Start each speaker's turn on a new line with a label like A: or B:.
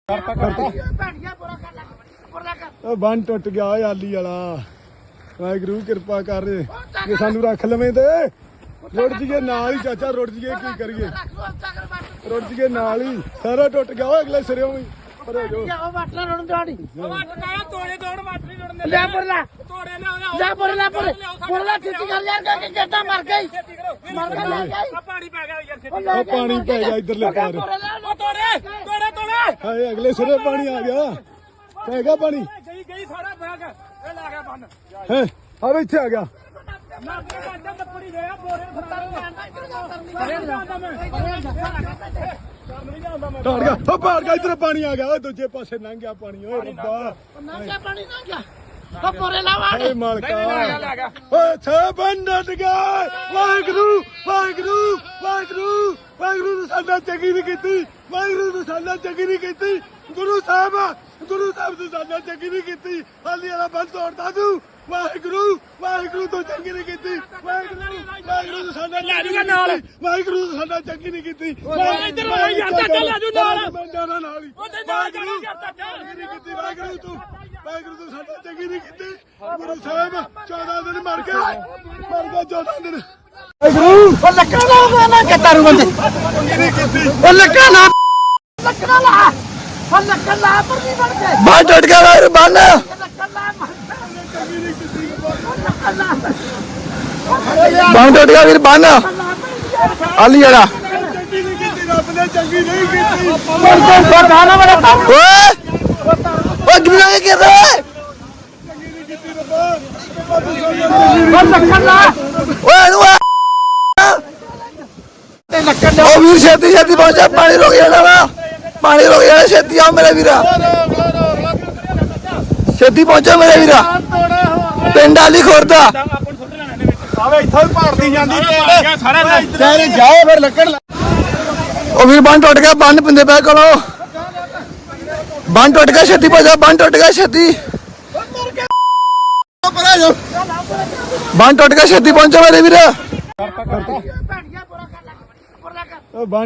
A: ਬੰਨ टुट गया आली वाला वाहगुरू कृपा कर जे सानू रख लवें ते रुड़ जाइए नाल ही चाचा रुड़ जाइए की करिए रुड़ जाइए नाल ही सारा टुट गया अगले सिरे भी पानी पै गया इधरले पार अगले सिरे पानी आ गया पैगा पानी अब इत्थे आ गया इधर पानी आ गया दूजे पासे लंघ गया पानी वाहगुरू वाहगुरू वाहगुरू वाहगुरू साडा चंगी नहीं कीती वाहगुरू साडा चंगी नहीं कीती गुरु साहब तू साडा चंगी नहीं कीती हाली वाला बंद तोड़ता तू वाहगुरू वाहगुरू तो चंगी नहीं कीती वाहगुरू तू साडा वाहगुरू तू साडा चंगी नहीं कीती वाहगुरू तू साडा चंगी नहीं कीती गुरु साहब 14 दिन मर गए 14 दिन बांध टूट गया बांध बांध टूट गया वीर बांध आली जरा वीर छेती छेती पहुंचा पानी रोक जाना पानी रोक जाना छेती आओ मेरे वीरा छेती पहुंचो मेरे वीरा पिंड आली खोरदा वीर बंद टुट गया बंद पिंदे पै कोलो बंद टुट गया छेती पहुंचा बंद टुट गया छेती बंद टुट गया छेती पहुंचो मेरे वीरा